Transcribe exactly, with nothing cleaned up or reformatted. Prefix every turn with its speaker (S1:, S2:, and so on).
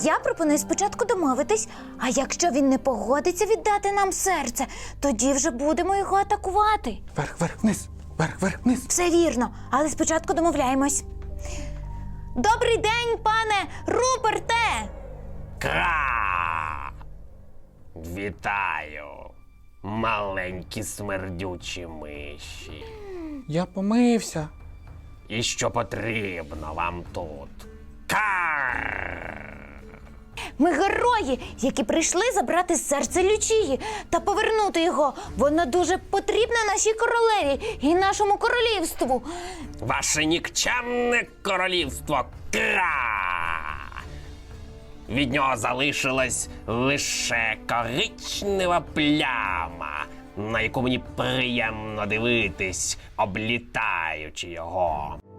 S1: Я пропоную спочатку домовитись, а якщо він не погодиться віддати нам серце, тоді вже будемо його атакувати.
S2: Вверх, вверх, вниз, вверх, вверх, вниз.
S1: Все вірно, але спочатку домовляємось. Добрий день, пане Руперте!
S3: Кра! Вітаю, маленькі смердючі миші.
S2: Я помився.
S3: І що потрібно вам тут? Кар!
S1: Ми герої, які прийшли забрати серце Лючії та повернути його. Воно дуже потрібне нашій королеві і нашому королівству.
S3: Ваше нікчемне королівство Кра! Від нього залишилась лише коричнева пляма, на яку мені приємно дивитись, облітаючи його.